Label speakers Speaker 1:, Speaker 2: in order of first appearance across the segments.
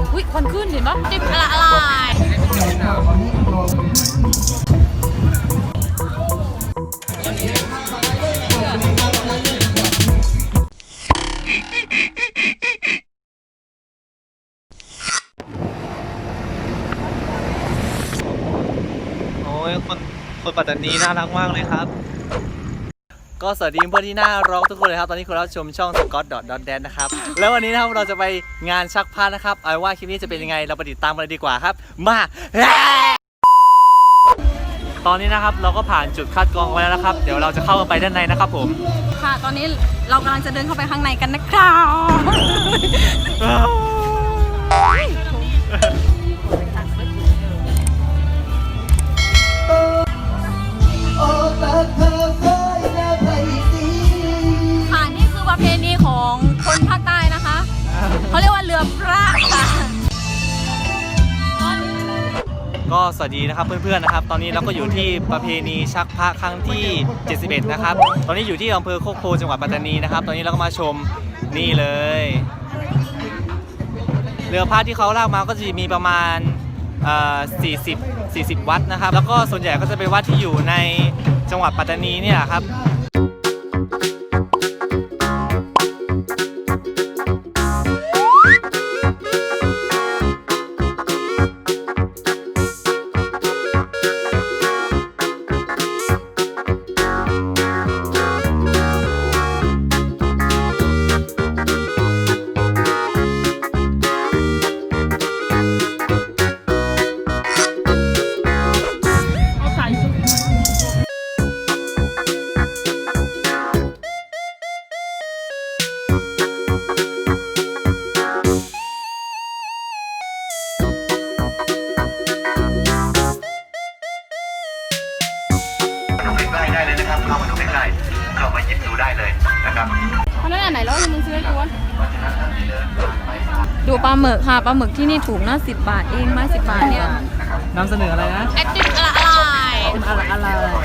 Speaker 1: อุ้ยควันขึ้นเห็นปะจิบละลาย
Speaker 2: โอ้ยคนปัตตานีน่ารักมากเลยครับก็สวัสดีเพื่อนที่น่ารักทุกคนเลยครับตอนนี้คุณรับชมช่อง scott.dance นะครับแล้ววันนี้นะครับเราจะไปงานชักผ้านะครับเอาว่าคลิปนี้จะเป็นยังไงเราไปติดตามกันเลยดีกว่าครับมาตอนนี้นะครับเราก็ผ่านจุดคัดกรองไว้แล้วนะครับเดี๋ยวเราจะเข้าไปด้านในนะครับผม
Speaker 1: ค่ะตอนนี้เรากำลังจะเดินเข้าไปข้างในกันนะครับค่ะนี่คือประเพณีของคนภาคใต้นะคะเขาเรียกว่าเรือพระค่ะ
Speaker 2: ก็สวัสดีนะครับเพื่อนๆนะครับตอนนี้เราก็อยู่ที่ประเพณีชักพระครั้งที่71นะครับตอนนี้อยู่ที่อำเภอโคกโพจังหวัดปัตตานีนะครับตอนนี้เราก็มาชมนี่เลยเรือพระที่เขาลากมาก็จะมีประมาณ40วัดนะครับแล้วก็ส่วนใหญ่ก็จะเป็นวัดที่อยู่ในจังหวัดปัตตานีเนี่ยครับ
Speaker 3: ได้เลยนะครับเข้ามาดูใกล้ๆเข้ามาหยิบดูได้เลยนะครับ
Speaker 1: เพราะนั่นอันไหนแล้วมึงซื้อให้กูวะดูปลาหมึกค่ะปลาหมึกที่นี่ถูกนะ10 บาทเองไม้10 บาทเนี่ย
Speaker 2: นำเสนออะไรนะ
Speaker 1: ไอติมอะไร
Speaker 2: อะไร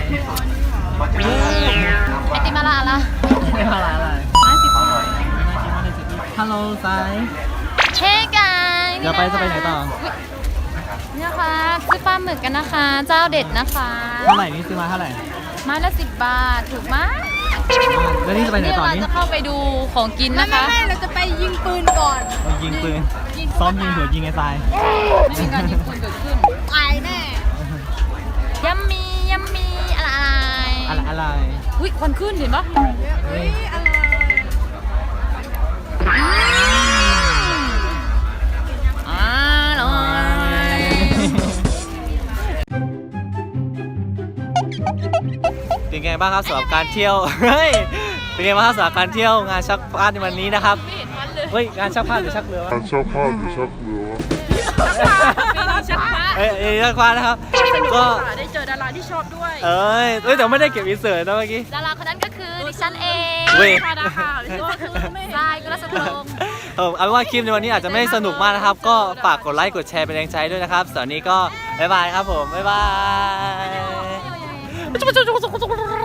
Speaker 1: ไอติมอะไรไม้10 บาท
Speaker 2: ฮัลโหลไซ
Speaker 1: เฮ้กัน
Speaker 2: เดี๋ยวจะไปไหนต่อ
Speaker 1: เนี่ยค่ะซื้อปลาหมึกกันนะคะเจ้าเด็ดนะคะ
Speaker 2: เท่าไหร่นี่ซื้อมาเท่าไหร่
Speaker 1: ไม้ละ10 บาทถูกมาก
Speaker 2: แล้วนี่จะไปไหนต่อนี่
Speaker 1: เราจะเข้าไปดูของกินนะคะไม่เราจะไปยิงปืนก่อน
Speaker 2: ยิงปืนซ้อมยิงหัวยิงไอ้ทราย
Speaker 1: ไม่มีการยิงปืนเกิดขึ้นตายแน่ยัมมี่อะไรอุ้ยควันขึ้นเห็นปะ
Speaker 2: เป็นไงบ้างครับสำหรับการเที่ยวเฮ้ยเป็นไงบ้างครับสำหรับการเที่ยวงานชักผ้าในวันนี้นะครับเฮ้ยงานชักผ้าหรือชักเรือ
Speaker 3: ชักผ้าหรือชักเรือ
Speaker 1: ชักผ้า
Speaker 2: ชักผ้านะครับก็
Speaker 1: ได้เจอดาราที่ชอบด้วย
Speaker 2: แต่ไม่ได้เก็บอินเสิร์ตนะเมื่อกี้
Speaker 1: ดาราคนนั้นก็คือดิฉันเองก็คือทรายกุลสตรง
Speaker 2: เอาว่าคลิปในวันนี้อาจจะไม่สนุกมากนะครับก็ฝากกดไลค์กดแชร์เป็นแรงใจด้วยนะครับสำหรับนี้ก็บ๊ายบายครับผมบ๊ายบาย